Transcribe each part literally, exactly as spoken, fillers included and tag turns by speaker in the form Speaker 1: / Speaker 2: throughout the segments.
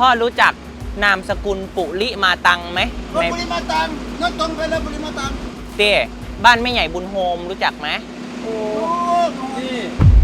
Speaker 1: พ่อรู้จักนามสกุลปุริมาตังไหม
Speaker 2: ปุริมาตังนั่นตรงไปแล้วปุริมาตัง
Speaker 1: เต้บ้านแม่ใหญ่บุญโฮมรู้จักไหม
Speaker 2: โอ้นี่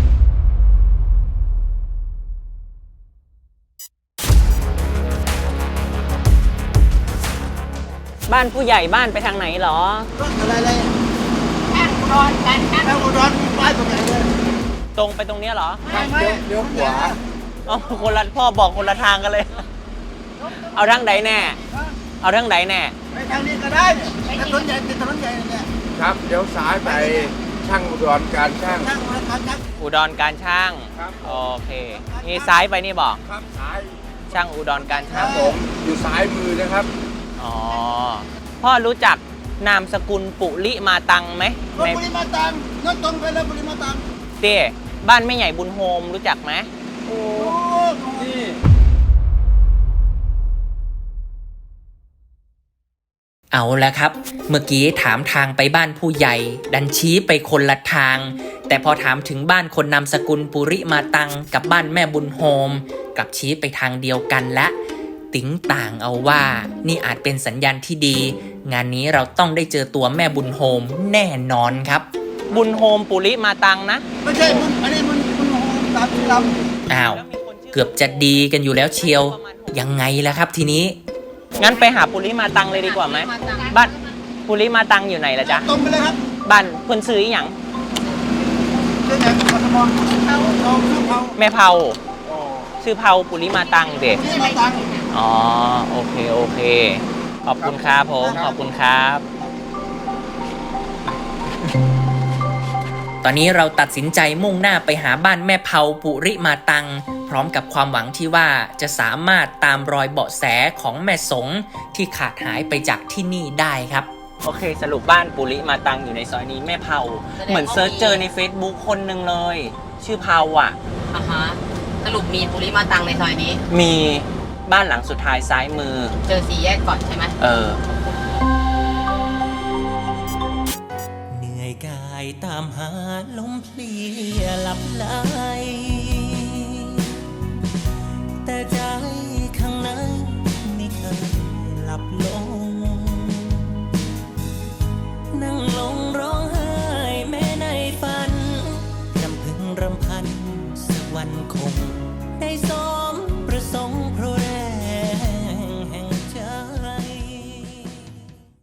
Speaker 1: บ้านผู้ใหญ่บ้านไปทางไหนหรอ
Speaker 2: รถอะไรเลยช่างอุดรกันช่างอุดรมีป้ายตรงไหนเลย
Speaker 1: ตรงไปตรงนี้เหรอ
Speaker 2: ไม่เดี๋ยวขวา
Speaker 1: เอาคนละพ่อบอกคนละทางกันเลยเอาทางไหนแน่เอาทางไหนแน่
Speaker 2: ไปทางนี้ก็ได้ถนนใหญ่ติดถนนใหญ่เนี่ย
Speaker 3: ครับเดี๋ยวซ้ายไปช่างอุดรการช่าง
Speaker 1: อุดรการช่างโอเคนี่ซ้ายไปนี่บอก
Speaker 3: ครับซ้าย
Speaker 1: ช่างอุดรการช่าง
Speaker 3: ผมอยู่ซ้ายมือนะครับ
Speaker 1: อ๋อพ่อรู้จักนามสกุลปุริมาตังไหม
Speaker 2: ปุริมาตังนั่นตรงไปแล้วปุริมาตัง
Speaker 1: เต้บ้านแม่ใหญ่บุญโฮมรู้จักไหม
Speaker 2: โอ้นี่
Speaker 1: เอาละครับเมื่อกี้ถามทางไปบ้านผู้ใหญ่ดันชี้ไปคนละทางแต่พอถามถึงบ้านคนนามสกุลปุริมาตังกับบ้านแม่บุญโฮมกลับชี้ไปทางเดียวกันและติ๋งต่างเอาว่านี่อาจเป็นสัญญาณที่ดีงานนี้เราต้องได้เจอตัวแม่บุญโฮมแน่นอนครับบุญโฮมปุริมาตังนะ
Speaker 2: ไม่ใช่บุญอันนี้บุญบุญโฮมตามที่ล
Speaker 1: ำอ้าวเกือบจะดีกันอยู่แล้วเชียวยังไงล่ะครับทีนี้งั้นไปหาปุริมาตังเลยดีกว่าไหมบ้านปุริมาตังอยู่ไหนล่ะจ๊ะ
Speaker 2: ตรงไปเลยครับ
Speaker 1: บ้านเพิ่นซื้ออย่าง
Speaker 2: ชื่อไหนกทมเผาชื่อเผา
Speaker 1: แม่เผาชื่อเผาปุริมาตังเด็กอ๋อโอเคโอเคขอบคุณครับผมขอบคุณครับตอนนี้เราตัดสินใจมุ่งหน้าไปหาบ้านแม่เผาปุริมาตังพร้อมกับความหวังที่ว่าจะสามารถตามรอยเบาะแสของแม่สงที่ขาดหายไปจากที่นี่ได้ครับโอเคสรุปบ้านปุริมาตังอยู่ในซอยนี้แม่เผาเหมือนเซิร์ชเจอใน Facebook คนหนึ่งเลยชื่อเผาอ่ะ
Speaker 4: อ่าฮะสรุปมีปุริมาตังในซอยนี้
Speaker 1: มีบ้านหลังสุดท้ายซ้ายมือ
Speaker 4: เจอสี่แยกก่อนใช่ไหม
Speaker 1: เออ
Speaker 5: เหนื่อยกายตามหาลมเพลียหลับไหลแต่ใจข้างในไม่เคยหลับลง